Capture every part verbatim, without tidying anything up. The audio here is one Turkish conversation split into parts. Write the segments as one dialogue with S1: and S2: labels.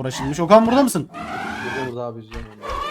S1: uğraşılmış. Okan burada mısın?
S2: Burada burada abi izliyorum.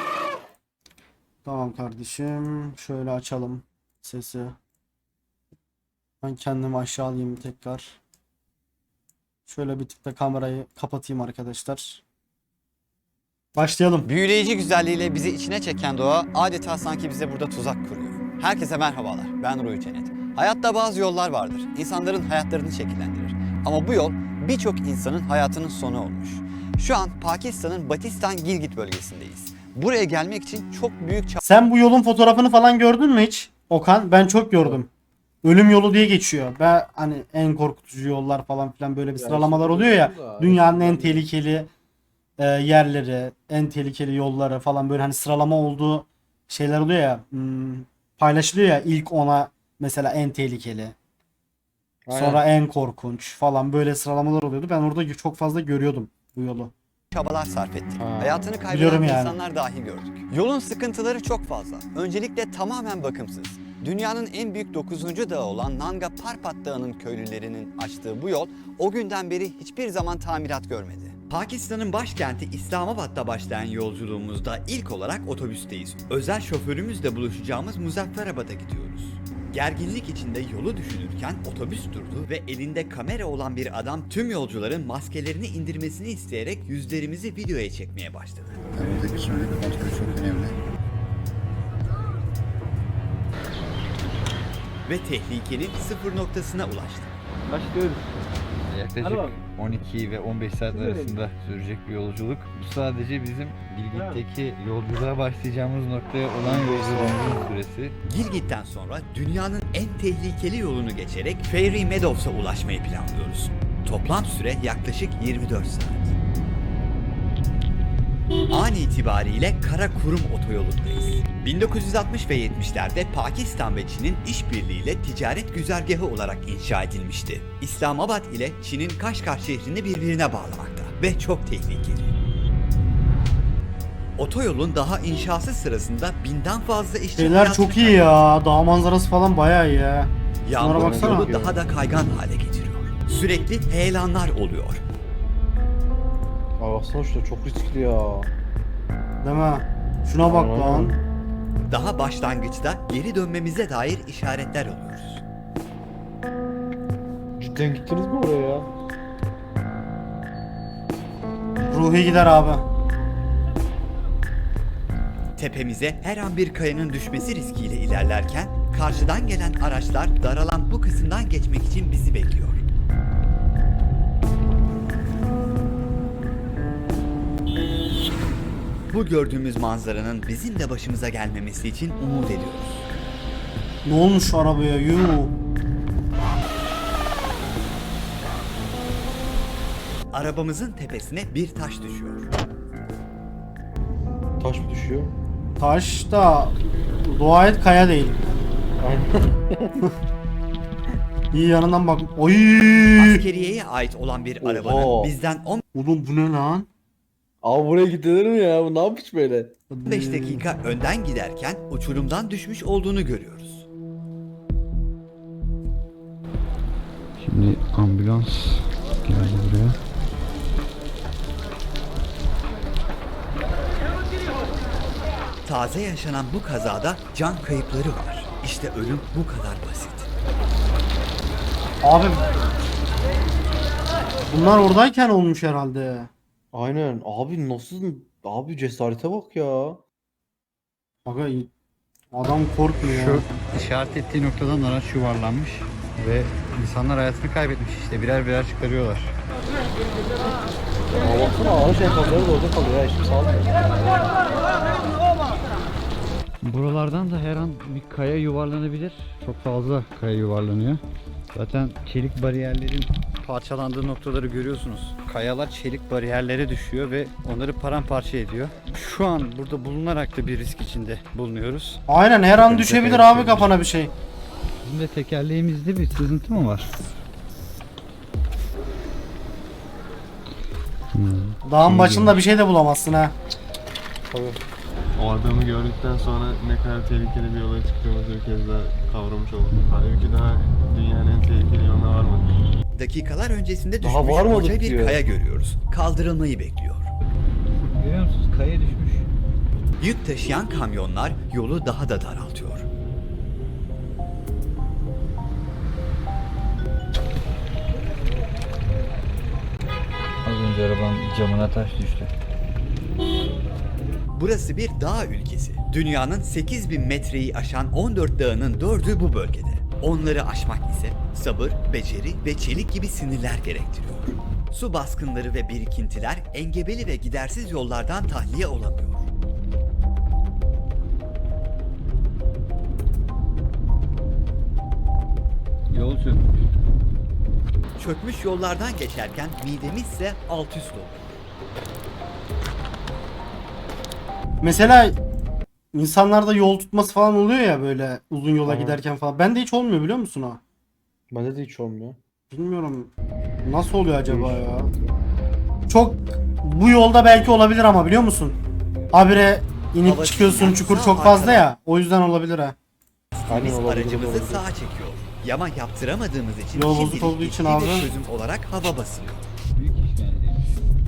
S1: Tamam kardeşim. Şöyle açalım sesi. Ben kendimi aşağı alayım tekrar. Şöyle bir tık da kamerayı kapatayım arkadaşlar. Başlayalım.
S3: Büyüleyici güzelliğiyle bizi içine çeken doğa adeta sanki bize burada tuzak kuruyor. Herkese merhabalar, ben Ruhi Cennet. Hayatta bazı yollar vardır, insanların hayatlarını şekillendirir. Ama bu yol birçok insanın hayatının sonu olmuş. Şu an Pakistan'ın Batistan Gilgit bölgesindeyiz. Buraya gelmek için çok büyük
S1: Sen bu yolun fotoğrafını falan gördün mü hiç? Okan, ben çok gördüm. Ölüm yolu diye geçiyor. Ve hani en korkutucu yollar falan filan böyle bir
S2: Ya
S1: sıralamalar
S2: işte
S1: oluyor ya.
S2: da,
S1: Dünyanın en
S2: işte
S1: tehlikeli e, yerleri, en tehlikeli yolları falan böyle hani sıralama olduğu şeyler oluyor ya. Hmm, paylaşılıyor ya ilk ona mesela en tehlikeli.
S2: Aynen.
S1: Sonra en korkunç falan böyle sıralamalar oluyordu. Ben orada çok fazla görüyordum bu yolu.
S3: çabalar sarf ettik.
S2: Ha,
S3: Hayatını
S1: biliyorum
S3: kaybeden
S1: yani.
S3: insanlar dahi gördük. Yolun sıkıntıları çok fazla. Öncelikle tamamen bakımsız. Dünyanın en büyük dokuzuncu dağı olan Nanga Parbat Dağı'nın köylülerinin açtığı bu yol o günden beri hiçbir zaman tamirat görmedi. Pakistan'ın başkenti İslamabad'da başlayan yolculuğumuzda ilk olarak otobüsteyiz. Özel şoförümüzle buluşacağımız Muzafferabad'a gidiyoruz. Gerginlik içinde yolu düşünürken otobüs durdu ve elinde kamera olan bir adam tüm yolcuların maskelerini indirmesini isteyerek yüzlerimizi videoya çekmeye başladı.
S4: Buradaki kimlik kontrolü çok önemli.
S3: Ve tehlikenin sıfır noktasına ulaştı.
S2: Başlıyoruz.
S5: Yaklaşık
S2: Hadi bakalım.
S5: on iki ve on beş saat arasında sürecek bir yolculuk. Bu sadece bizim Gilgit'teki yolculuğa başlayacağımız noktaya olan yolculuğumuzun süresi.
S3: Gilgit'ten sonra dünyanın en tehlikeli yolunu geçerek Fairy Meadows'a ulaşmayı planlıyoruz. Toplam süre yaklaşık yirmi dört saat. An itibariyle Karakurum otoyolundayız. bin dokuz yüz altmış ve yetmişlerde Pakistan ve Çin'in işbirliğiyle ticaret güzergahı olarak inşa edilmişti. İslamabad ile Çin'in Kaşgar şehrini birbirine bağlamakta ve çok tehlikeli. Otoyolun daha inşası sırasında binden fazla işçi
S1: Şeyler
S3: hayatını
S1: çok iyi ya. Dağ manzarası falan bayağı iyi ya. Şunlara
S3: Yağmur
S1: baksana.
S3: yolu daha da kaygan hale getiriyor. Sürekli heyelanlar oluyor.
S2: Aa baksana şurada çok riskli ya.
S1: Değil mi? Şuna bak lan.
S3: Daha başlangıçta geri dönmemize dair işaretler alıyoruz.
S2: Cidden gittiniz mi oraya ya?
S1: Ruhi gider abi.
S3: Tepemize her an bir kayanın düşmesi riskiyle ilerlerken karşıdan gelen araçlar daralan bu kısımdan geçmek için bizi bekliyor. Bu gördüğümüz manzaranın bizim de başımıza gelmemesi için umut ediyoruz.
S1: Ne olmuş şu arabaya? Yuh.
S3: Arabamızın tepesine bir taş düşüyor.
S2: Taş mı düşüyor?
S1: Taş da dua et kaya değil.
S2: Aynen.
S1: İyi yanından bak. Oy!
S3: Askeriyeye ait olan bir arabanın
S2: Oha.
S3: bizden
S1: Oğlum bu ne lan?
S2: Abi buraya gidilir mi ya? Bu ne yapmış böyle?
S3: on beş dakika önden giderken uçurumdan düşmüş olduğunu görüyoruz.
S5: Şimdi ambulans geldi buraya.
S3: Taze yaşanan bu kazada can kayıpları var. İşte ölüm bu kadar basit.
S1: Abi bunlar oradayken olmuş herhalde.
S2: Aynen. Abi nasıl? Abi cesarete bak ya.
S1: Aga adam korkmuyor.
S5: Şu işaret ettiği noktadan araç yuvarlanmış ve insanlar hayatını kaybetmiş, işte birer birer çıkarıyorlar.
S2: Aa baksana ağaç enkazları da orada kalıyor ya. Hiçbir sağlamıyor.
S5: Buralardan da her an bir kaya yuvarlanabilir. Çok fazla kaya yuvarlanıyor. Zaten çelik bariyerlerin parçalandığı noktaları görüyorsunuz. Kayalar çelik bariyerlere düşüyor ve onları paramparça ediyor. Şu an burada bulunarak da bir risk içinde bulunuyoruz.
S1: Aynen her an
S5: Bakın,
S1: düşebilir
S5: tekrar
S1: abi
S5: düşebilir.
S1: kafana bir şey.
S5: Bizim de tekerleğimizde bir sızıntı mı var? Hmm.
S1: Dağın
S5: İyi
S1: başında bir şey de bulamazsın ha.
S2: Tabii.
S6: O adamı gördükten sonra ne kadar tehlikeli bir yola çıktığımızı bir kez daha kavramış olduk. Halbuki daha dünyanın en tehlikeli yoluna varmadık.
S3: Dakikalar öncesinde
S2: Daha
S3: düşmüş
S2: varmadık
S3: koca bir
S2: diyor.
S3: kaya görüyoruz. Kaldırılmayı bekliyor.
S5: musunuz? Kaya düşmüş.
S3: Yük taşıyan kamyonlar yolu daha da daraltıyor.
S5: Az önce arabanın camına taş düştü.
S3: Burası bir dağ ülkesi. Dünyanın sekiz bin metreyi aşan on dört dağının dördü bu bölgede. Onları aşmak ise sabır, beceri ve çelik gibi sinirler gerektiriyor. Su baskınları ve birikintiler engebeli ve gidersiz yollardan tahliye olamıyor.
S5: Yol çökmüş.
S3: Çökmüş yollardan geçerken midemiz ise alt üst oluyor.
S1: Mesela insanlarda yol tutması falan oluyor ya böyle uzun yola
S2: Aha.
S1: giderken falan. Bende hiç olmuyor biliyor musun o?
S2: Bende de hiç olmuyor.
S1: Bilmiyorum. Nasıl oluyor acaba ya? Çok bu yolda belki olabilir ama biliyor musun? Habire inip
S3: Hava
S1: çıkıyorsun,
S3: sinyal
S1: çukur
S3: sağ
S1: çok fazla
S3: arkada.
S1: ya. O yüzden olabilir ha.
S2: Aynen
S3: Biz
S2: olabilir,
S3: aracımızı
S2: olabilir.
S3: sağa çekiyor. Yama yaptıramadığımız için
S1: Yol bozuk
S3: şimdilik
S1: olduğu için
S3: etkili bir
S1: abi.
S3: çözüm olarak hava basıyor.
S5: Büyük işkencemiş.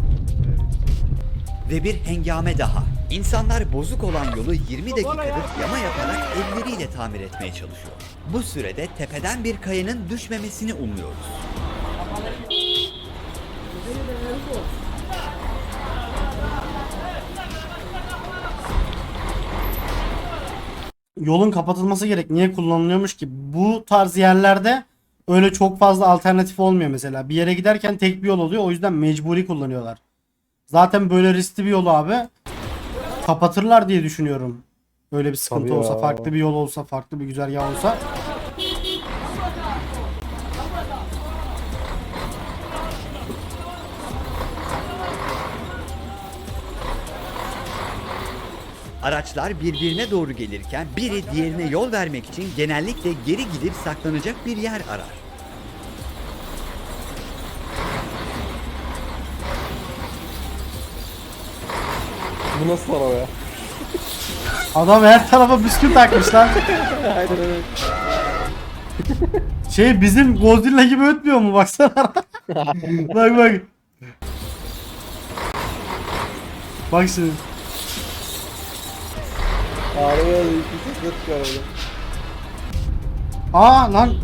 S3: Ve bir hengame daha. İnsanlar bozuk olan yolu yirmi dakikadır yama yaparak elleriyle tamir etmeye çalışıyor. Bu sürede tepeden bir kayanın düşmemesini umuyoruz.
S1: Yolun kapatılması gerek. Niye kullanılıyormuş ki? Bu tarz yerlerde öyle çok fazla alternatif olmuyor mesela. Bir yere giderken tek bir yol oluyor. O yüzden mecburi kullanıyorlar. Zaten böyle riskli bir yolu abi kapatırlar diye düşünüyorum. Öyle bir sıkıntı
S2: Tabii
S1: olsa,
S2: ya.
S1: farklı bir yol olsa, farklı bir güzergah olsa.
S3: Araçlar birbirine doğru gelirken biri diğerine yol vermek için genellikle geri gidip saklanacak bir yer arar.
S2: Bu nasıl araba ya?
S1: Adam her tarafa bisküvi takmış lan.
S2: Aynen öyle.
S1: Şey bizim Godzilla gibi ötmüyor mu baksana. Bak bak. Bak şimdi.
S2: Araba ya. İki ses çıkıyor arada.
S1: Aa lan.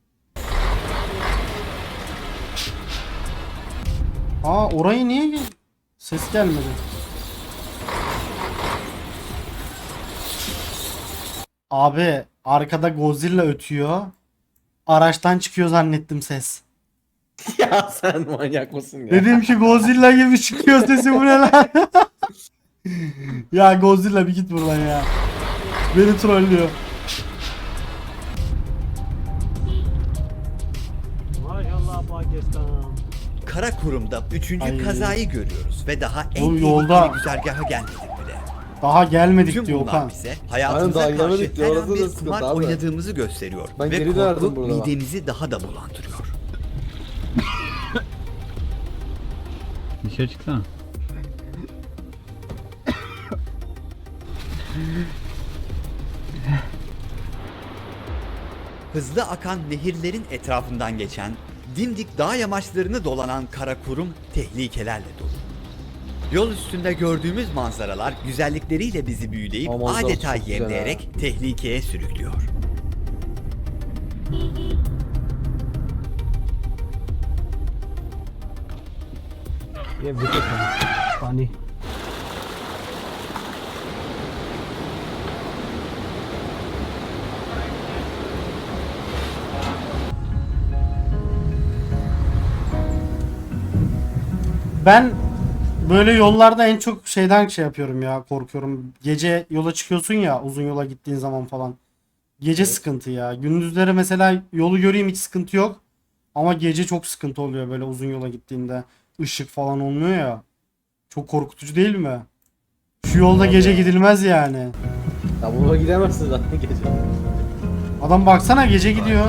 S1: Aa orayı niye gel- ses gelmedi? Abi arkada Godzilla ötüyor. Araçtan çıkıyor zannettim ses.
S2: Ya sen manyak mısın ya?
S1: Dedim ki Godzilla gibi çıkıyor sesi, bu ne lan? Ya Godzilla bir git buradan ya. Beni trollüyor.
S7: Maşallah Pakistan.
S3: Karakurum'da üçüncü
S1: Ay.
S3: kazayı görüyoruz ve daha en
S1: Oğlum,
S3: tehlikeli
S1: yolda-
S3: güzergaha gelmedik bile.
S1: Daha gelmedik
S3: Tüm
S1: diyor
S3: bunlar
S1: Okan.
S3: bize
S2: Aynen,
S3: hayatımıza
S2: daha
S3: karşı
S2: gelmedik diyor.
S3: her
S2: Orası
S3: an
S2: da
S3: bir
S2: sıkıntı
S3: kumar
S2: abi.
S3: oynadığımızı gösteriyor.
S2: Ben
S3: ve
S2: geri dönerdim
S3: korku
S2: burada bak.
S3: midemizi daha da bulandırıyor.
S5: Dışarı çıksana.
S3: Hızlı akan nehirlerin etrafından geçen, dimdik dağ yamaçlarını dolanan Karakurum tehlikelerle dolu. Yol üstünde gördüğümüz manzaralar güzellikleriyle bizi büyüleyip
S2: Ama manzarası
S3: adeta
S2: çok güzel
S3: yemleyerek tehlikeye sürüklüyor.
S7: ये विकेट है पानी
S1: Ben böyle yollarda en çok şeyden şey yapıyorum ya, korkuyorum. Gece yola çıkıyorsun ya, uzun yola gittiğin zaman falan. Gece sıkıntı ya. Gündüzleri mesela yolu göreyim hiç sıkıntı yok. Ama gece çok sıkıntı oluyor böyle uzun yola gittiğinde. Işık falan olmuyor ya. Çok korkutucu değil mi? Şu yolda gece gidilmez yani.
S2: Ya buna gidemezsin zaten gece.
S1: Adam baksana gece gidiyor.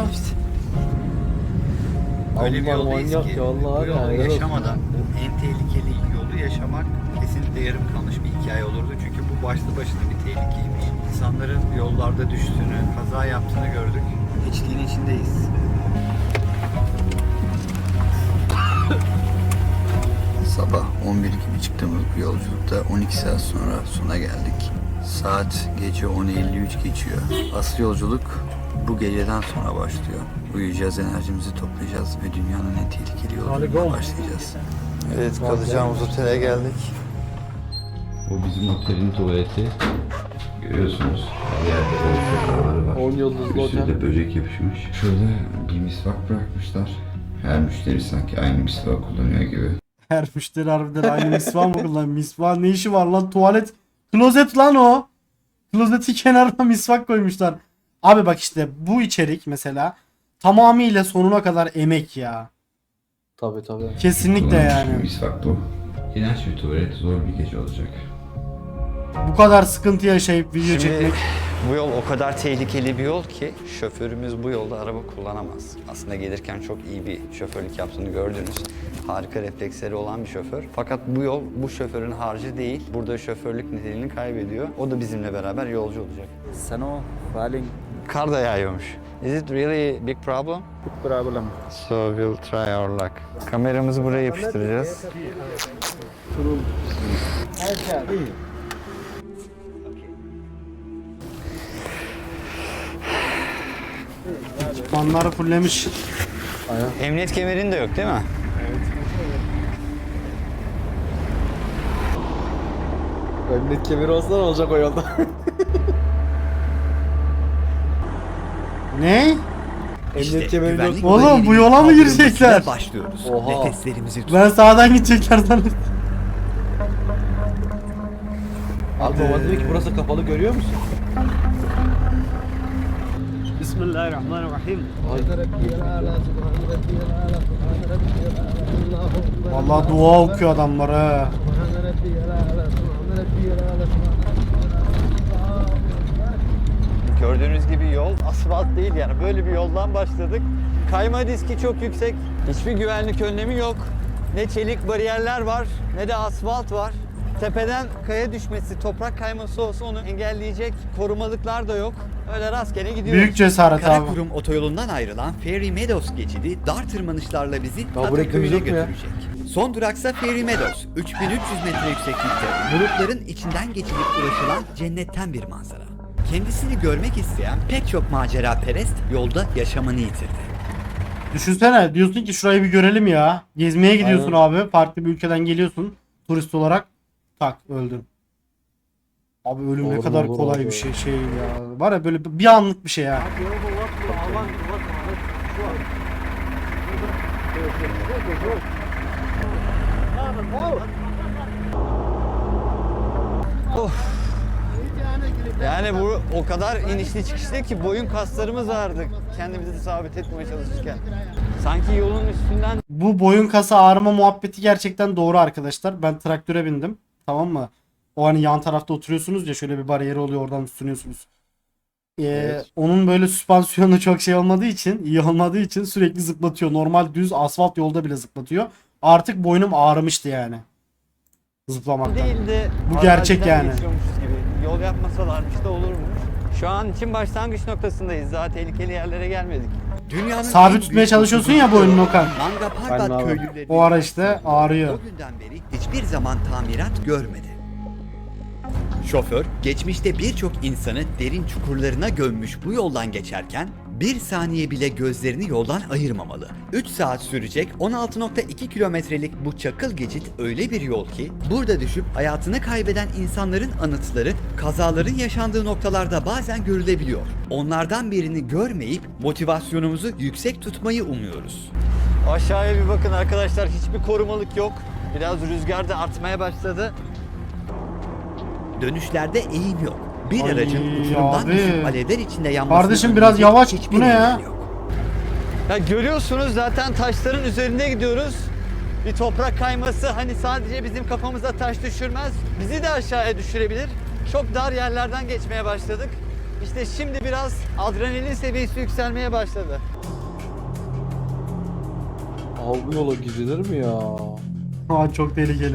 S3: Öyle bir
S2: Allah
S3: yoldayız
S2: manyak
S3: ki
S2: ya, vallahi
S3: bu yolu
S2: ya, helal olsun.
S3: yaşamadan en tehlikeli yolu yaşamak kesinlikle yarım kalmış bir hikaye olurdu. Çünkü bu başlı başına bir tehlikeymiş. İnsanların yollarda düştüğünü, kaza yaptığını gördük. Hiçliğin içindeyiz.
S4: Sabah on bir gibi çıktığımız bu yolculukta on iki saat sonra sona geldik. Saat gece on elli üç geçiyor. Asıl yolculuk bu geceden sonra başlıyor. Uyuyacağız, enerjimizi toplayacağız ve dünyanın en tehlikeli yolculuğuna başlayacağız.
S3: Evet, kalacağımız otele geldik.
S8: O bizim otelin tuvaleti. Görüyorsunuz. Her yerde böyle sokaları var.
S2: on yıldızlı
S8: Bir sürü
S2: otel.
S8: de böcek yapışmış. Şöyle bir misvak bırakmışlar. Her müşteri sanki aynı misvak kullanıyor gibi.
S1: Her müşteri harbiden aynı misvak mı kullanıyor? Misvak ne işi var lan? Tuvalet. Klozet lan o. Klozetin kenarına misvak koymuşlar. Abi bak işte bu içerik mesela tamamıyla sonuna kadar emek ya.
S2: Tabii tabii.
S1: Kesinlikle
S8: Kullanmış
S1: yani.
S8: bir misvak bu. İğrenç bir tuvalet, zor bir gece olacak.
S1: Bu kadar sıkıntı yaşayıp video
S3: Şimdi
S1: çekmek.
S3: bu yol o kadar tehlikeli bir yol ki şoförümüz bu yolda araba kullanamaz. Aslında gelirken çok iyi bir şoförlük yaptığını gördünüz. Harika refleksleri olan bir şoför. Fakat bu yol bu şoförün harcı değil. Burada şoförlük niteliğini kaybediyor. O da bizimle beraber yolcu olacak.
S7: Sano, falling
S3: Kar da yağıyormuş. Is it really big problem?
S7: problem.
S3: So we'll try our luck. Kameramızı buraya yapıştıracağız.
S1: Ekipmanları fullemiş.
S3: Emniyet kemerin de yok değil mi?
S2: Emniyet kemeri olsa ne olacak o yolda?
S1: Ne?
S2: Emniyet kemeri yok.
S1: Oğlum bu yola mı girecekler?
S3: Başlıyoruz.
S2: Oha.
S3: Nefeslerimizi tut.
S1: Ben sağdan gidecekler zannettim.
S2: Abi baba diyor ki burası kapalı, görüyor musun?
S7: Bismillahirrahmanirrahim.
S1: Vallahi dua okuyor adamlar ha.
S3: Gördüğünüz gibi yol asfalt değil yani böyle bir yoldan başladık. Kayma riski çok yüksek. Hiçbir güvenlik önlemi yok. Ne çelik bariyerler var ne de asfalt var. Tepeden kaya düşmesi, toprak kayması olsa onu engelleyecek korumalıklar da yok. Öyle rastgele gidiyoruz.
S1: Büyük cesaret abi.
S3: Karakurum otoyolundan ayrılan Fairy Meadows geçidi dar tırmanışlarla bizi
S2: bu reklamı
S3: Ataköy'e
S2: yok mu ya?
S3: götürecek. Son duraksa Fairy Meadows. üç bin üç yüz metre yükseklikte bulutların içinden geçilip ulaşılan cennetten bir manzara. Kendisini görmek isteyen pek çok macera perest yolda yaşamını yitirdi.
S1: Düşünsene diyorsun ki şurayı bir görelim ya. Gezmeye gidiyorsun abi. Farklı bir ülkeden geliyorsun turist olarak. Tak öldün. Abi ölüm ne
S2: Olur,
S1: kadar
S2: olur
S1: kolay
S2: abi.
S1: bir şey şey ya. Var ya böyle bir anlık bir şey ya.
S3: Yani bu o kadar inişli çıkışlı ki boyun kaslarımız ağrıdı kendimizi sabit etmeye çalışırken. Sanki yolun üstünden
S1: Bu boyun kası ağrıma muhabbeti gerçekten doğru arkadaşlar. Ben traktöre bindim. Tamam mı? O hani yan tarafta oturuyorsunuz ya şöyle bir bariyeri oluyor oradan tutunuyorsunuz. Ee,
S2: Evet.
S1: Onun böyle süspansiyonu çok şey olmadığı için, iyi olmadığı için sürekli zıplatıyor. Normal düz asfalt yolda bile zıplatıyor. Artık boynum ağrımıştı yani. Zıplamaktan.
S3: değil de
S1: Bu gerçek
S3: araziden
S1: yani.
S3: geçiyormuşuz gibi. Yol yapmasalarmış da olurmuş. Şu an için başlangıç noktasındayız. Daha tehlikeli yerlere gelmedik. Dünyanın
S1: Sabit
S3: en
S1: tutmaya
S3: büyük
S1: çalışıyorsun ya boynunu Okan.
S3: Nanga
S2: Aynen
S3: Parbat
S2: abi.
S3: köylüleri
S1: O ara işte ağrıyor.
S3: o günden beri hiçbir zaman tamirat görmedi. Şoför geçmişte birçok insanı derin çukurlarına gömmüş bu yoldan geçerken bir saniye bile gözlerini yoldan ayırmamalı. üç saat sürecek on altı nokta iki kilometrelik bu çakıl geçit öyle bir yol ki burada düşüp hayatını kaybeden insanların anıtları kazaların yaşandığı noktalarda bazen görülebiliyor. Onlardan birini görmeyip motivasyonumuzu yüksek tutmayı umuyoruz. Aşağıya bir bakın arkadaşlar, hiçbir korumalık yok. Biraz rüzgar da artmaya başladı. Dönüşlerde eğim yok. Bir
S1: Ay
S3: aracın uçurumdan
S1: abi.
S3: düşüp alevler içinde yanmasını
S1: Kardeşim biraz
S3: önleyecek
S1: yavaş,
S3: hiçbir
S1: bu ne ya?
S3: engel yok. Ya görüyorsunuz zaten taşların üzerinde gidiyoruz. Bir toprak kayması hani sadece bizim kafamıza taş düşürmez, bizi de aşağıya düşürebilir. Çok dar yerlerden geçmeye başladık. İşte şimdi biraz adrenalin seviyesi yükselmeye başladı.
S2: Abi bu yola gidilir mi ya?
S1: Aa, çok tehlikeli.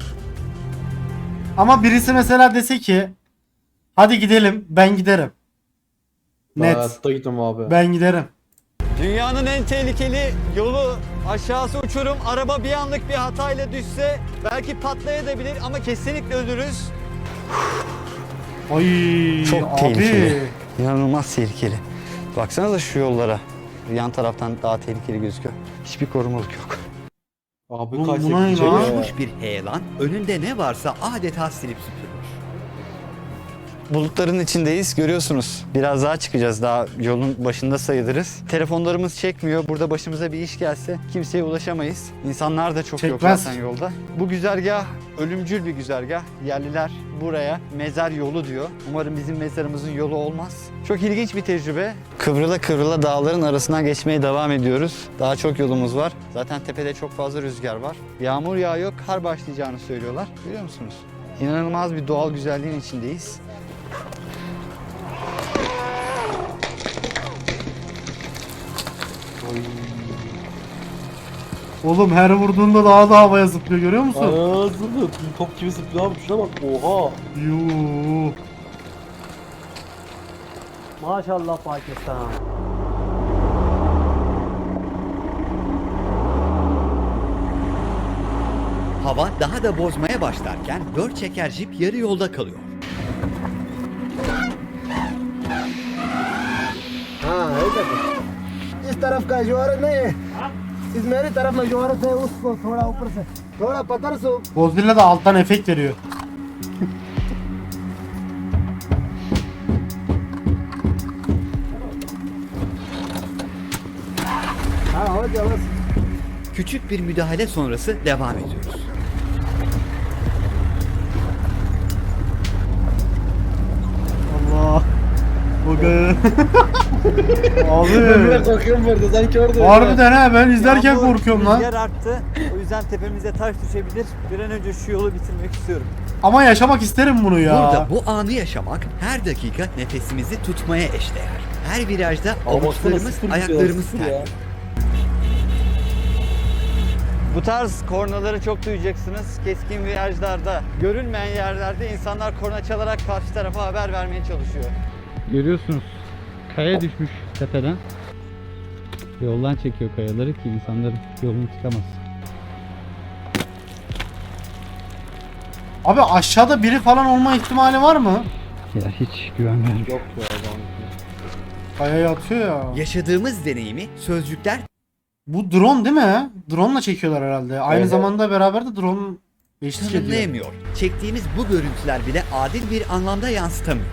S1: Ama birisi mesela dese ki hadi gidelim, ben giderim.
S2: Ben
S1: Net.
S2: hayatta gitmem abi.
S1: Ben giderim.
S3: Dünyanın en tehlikeli yolu aşağısı uçurum. Araba bir anlık bir hatayla düşse belki patlayabilir ama kesinlikle ölürüz.
S1: Ay
S3: Çok
S1: abi.
S3: tehlikeli. İnanılmaz tehlikeli. Baksanıza şu yollara. Yan taraftan daha tehlikeli gözüküyor. Hiçbir korumalık yok.
S2: Abi
S1: Bu-
S2: kaçsak
S1: buna ne
S2: gidecek
S1: lan?
S2: ya.
S3: Uçmuş bir heyelan önünde ne varsa adeta silip süpürmüş. Bulutların içindeyiz, görüyorsunuz. Biraz daha çıkacağız, daha yolun başında sayılırız. Telefonlarımız çekmiyor. Burada başımıza bir iş gelse kimseye ulaşamayız. İnsanlar da çok
S1: Çekmez.
S3: yok zaten yolda. Bu güzergah ölümcül bir güzergah. Yerliler buraya mezar yolu diyor. Umarım bizim mezarımızın yolu olmaz. Çok ilginç bir tecrübe. Kıvrıla kıvrıla dağların arasından geçmeye devam ediyoruz. Daha çok yolumuz var. Zaten tepede çok fazla rüzgar var. Yağmur yağıyor, kar başlayacağını söylüyorlar. Görüyor musunuz? İnanılmaz bir doğal güzelliğin içindeyiz.
S1: Oğlum her vurduğunda daha da havaya zıplıyor görüyor musun?
S2: Aa zıplıyor. Top gibi zıplıyor abi. Şuna bak. Oha.
S1: Yuuu.
S9: माशाल्लाह Pakistan.
S3: Hava daha da bozmaya başlarken dört çeker jip yarı yolda kalıyor.
S9: हाँ इधर इस तरफ का ज्वार नहीं है, इस मेरी तरफ में ज्वार है, उसको थोड़ा ऊपर से थोड़ा पत्थर से
S1: Godzilla da alttan efekt veriyor.
S9: हाँ हो गया बस।
S3: Küçük bir müdahale sonrası devam ediyoruz.
S1: Allah. Bugün.
S2: Ben bile
S1: Abi.
S2: korkuyorum burada. Sanki orada.
S1: Harbiden ha ben izlerken
S3: Yağmur,
S1: korkuyorum lan.
S3: Rüzgar arttı. O yüzden tepemize taş düşebilir. Bir an önce şu yolu bitirmek istiyorum.
S1: Ama yaşamak isterim bunu ya.
S3: Burada bu anı yaşamak her dakika nefesimizi tutmaya eşdeğer. Her virajda
S2: Ama baksana
S3: avuçlarımız,
S2: sıfır
S3: ayaklarımız
S2: sıfır ya.
S3: terliyor. Bu tarz kornaları çok duyacaksınız. Keskin virajlarda, görünmeyen yerlerde insanlar korna çalarak karşı tarafa haber vermeye çalışıyor.
S5: Görüyorsunuz. Kaya düşmüş tepeden. Yoldan çekiyor kayaları ki insanların yolunu tıkamaz.
S1: Abi aşağıda biri falan olma ihtimali var mı?
S5: Ya hiç güven vermiyor.
S2: Yok ya adam.
S1: Kayaya atıyor ya.
S3: Yaşadığımız deneyimi sözcükler
S1: Bu drone değil mi? Drone'la çekiyorlar herhalde. Aynı
S2: Evet.
S1: zamanda beraber de drone eşlik ediyor.
S3: tanımlayamıyor. Çektiğimiz bu görüntüler bile adil bir anlamda yansıtamıyor.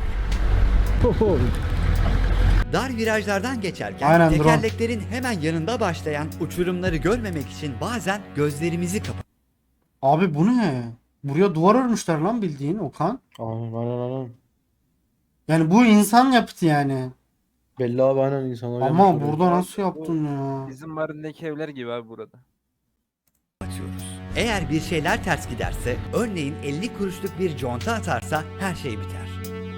S3: Dar virajlardan geçerken
S1: Aynen, drone.
S3: tekerleklerin hemen yanında başlayan uçurumları görmemek için bazen gözlerimizi kapat.
S1: Abi bu ne? Buraya duvar örmüşler lan bildiğin Okan.
S2: Aynen aynen aynen.
S1: Yani bu insan yaptı yani.
S2: Belli abi aynen insanlar
S1: Ama
S2: yapmış orayı.
S1: burada nasıl yaptın ya?
S10: Bizim Mardin'deki evler gibi abi burada.
S3: atıyoruz. Eğer bir şeyler ters giderse, örneğin elli kuruşluk bir conta atarsa her şey biter.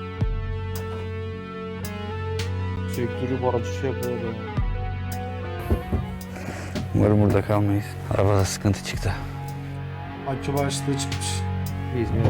S2: Sektörü barajı şey yapıyor adam.
S3: Umarım burada kalmayız. Arabada sıkıntı çıktı.
S1: Akü başlığı çıkmış.
S2: İzmir.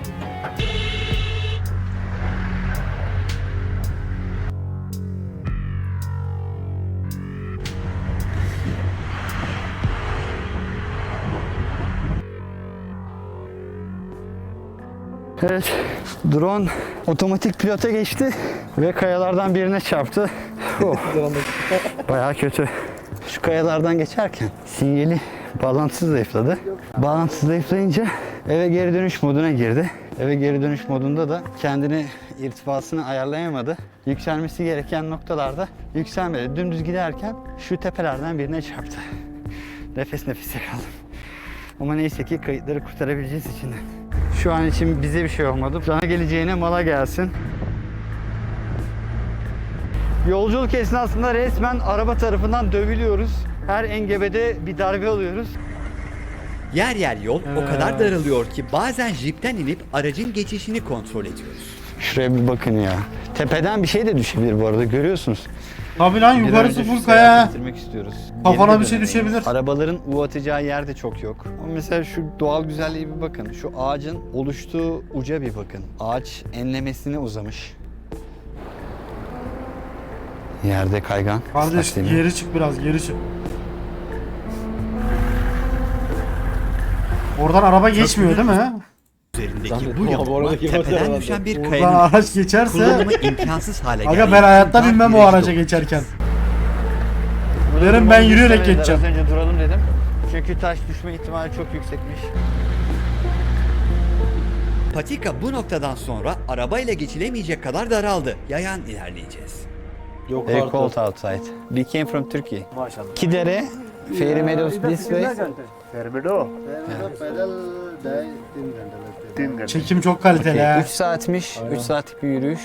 S3: Evet, drone otomatik pilota geçti ve kayalardan birine çarptı. Oh, bayağı kötü. Şu kayalardan geçerken sinyali bağlantısı zayıfladı. Bağlantısı zayıflayınca eve geri dönüş moduna girdi. Eve geri dönüş modunda da kendini irtifasını ayarlayamadı. Yükselmesi gereken noktalarda yükselmedi. Dümdüz giderken şu tepelerden birine çarptı. Nefes nefese kaldım. Ama neyse ki kayıtları kurtarabileceğiz içinden. Şu an için bize bir şey olmadı. Sana geleceğine mala gelsin. Yolculuk esnasında resmen araba tarafından dövülüyoruz. Her engebede bir darbe alıyoruz. Yer yer yol o kadar daralıyor ki bazen jipten inip aracın geçişini kontrol ediyoruz. Şuraya bir bakın ya. Tepeden bir şey de düşebilir bu arada, görüyorsunuz.
S1: Tabii lan
S3: Bir an
S1: yukarısı
S3: önce
S1: full
S3: şu
S1: kaya.
S3: seyahati bitirmek istiyoruz.
S1: Kafana
S3: Geri
S1: bir şey
S3: dönemeyiz.
S1: düşebilir.
S3: Arabaların U atacağı yer de çok yok. Ama mesela şu doğal güzelliğe bir bakın. Şu ağacın oluştuğu uca bir bakın. Ağaç enlemesine uzamış. Yerde kaygan.
S1: Kardeş
S3: ıslak zemin.
S1: geri çık biraz geri çık. Oradan araba geçmiyor değil mi?
S3: Üzerindeki bu
S2: Abi
S3: yol
S2: oradaki motor
S3: tepeden
S2: herhalde.
S3: düşen bir
S1: Oradan
S3: kayanın
S1: araç geçerse
S3: kullanımı imkansız hale geldi.
S1: aga ben hayatta binmem o araca geçerken. Derim ben yürüyerek geçeceğim.
S5: Az önce duralım dedim. Çünkü taş düşme ihtimali çok yüksekmiş.
S3: Patika bu noktadan sonra arabayla geçilemeyecek kadar daraldı. Yayan ilerleyeceğiz.
S2: Yok
S5: Very
S2: artık.
S5: cold outside. We came from Turkey. Kidere, Fairy Meadows this way.
S1: Çekim çok kaliteli ha.
S5: üç saatmiş. üç saatlik bir yürüyüş.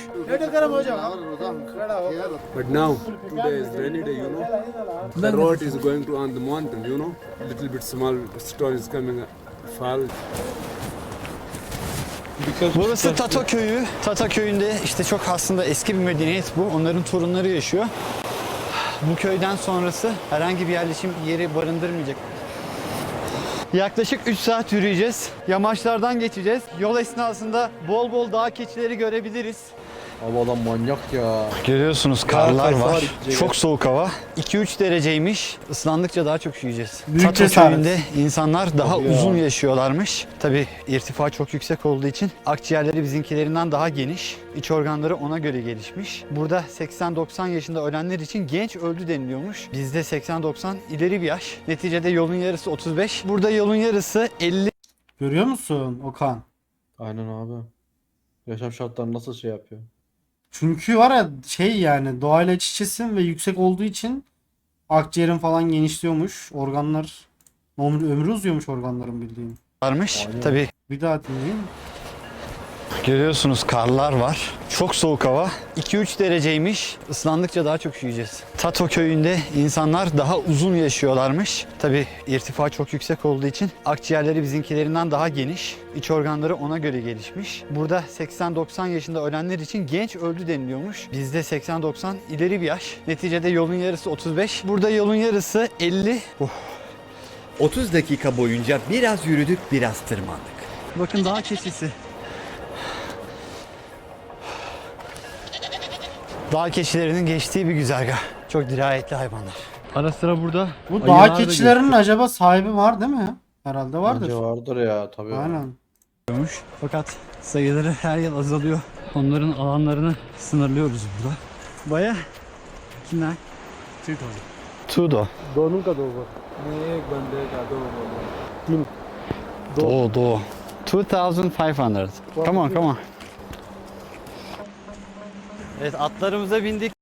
S6: But now, today is rainy day, you know. The road is going to on the mountain, you know. Little bit small stone is coming, fall.
S3: Burası Tato köyü. Tato köyünde işte çok aslında eski bir medeniyet bu. Onların torunları yaşıyor. Bu köyden sonrası herhangi bir yerleşim yeri barındırmayacak. Yaklaşık üç saat yürüyeceğiz. Yamaçlardan geçeceğiz. Yol esnasında bol bol dağ keçileri görebiliriz.
S2: Abi adam manyak ya.
S3: Görüyorsunuz karlar
S2: Kar
S3: var.
S2: gidecek.
S3: Çok soğuk hava. iki üç dereceymiş. Islandıkça daha çok üşüyeceğiz.
S1: Büyük
S3: Tato
S1: cesaret.
S3: köyünde insanlar daha
S2: Tabii ya.
S3: uzun yaşıyorlarmış. Tabii irtifa çok yüksek olduğu için akciğerleri bizimkilerinden daha geniş. İç organları ona göre gelişmiş. Burada seksen doksan yaşında ölenler için genç öldü deniliyormuş. Bizde seksen doksan ileri bir yaş. Neticede yolun yarısı otuz beş. Burada yolun yarısı elli.
S1: Görüyor musun Okan?
S2: Aynen abi. Yaşam şartları nasıl şey yapıyor?
S1: Çünkü var ya şey yani doğayla iç içesin ve yüksek olduğu için akciğerin falan genişliyormuş. Organlar ömrü, ömrü uzuyormuş organların bildiğin.
S3: varmış. Tabii
S1: Bir daha dinleyin.
S3: görüyorsunuz karlar var. Çok soğuk hava. iki üç dereceymiş. Islandıkça daha çok üşüyeceğiz. Tato köyünde insanlar daha uzun yaşıyorlarmış. Tabii irtifa çok yüksek olduğu için akciğerleri bizimkilerinden daha geniş. İç organları ona göre gelişmiş. Burada seksen doksan yaşında ölenler için genç öldü deniliyormuş. Bizde seksen doksan ileri bir yaş. Neticede yolun yarısı otuz beş. Burada yolun yarısı elli. Oh. otuz dakika boyunca biraz yürüdük, biraz tırmandık. Bakın dağ keçisi. Dağ keçilerinin geçtiği bir güzergah. Çok dirayetli hayvanlar. Ara sıra burada
S1: Bu
S3: ayılar
S1: dağ
S3: da
S1: keçilerinin acaba sahibi var değil mi? Herhalde vardır.
S2: Bence vardır ya tabii.
S1: Aynen.
S3: geçiyormuş. Fakat sayıları her yıl azalıyor. Onların alanlarını sınırlıyoruz burada. Baya kimler? Tudo.
S6: दोनों का दो बार नहीं एक बंदे का दो तीन
S3: Doğu, doğu. two thousand five hundred. Come on, come on. Evet, atlarımıza bindik.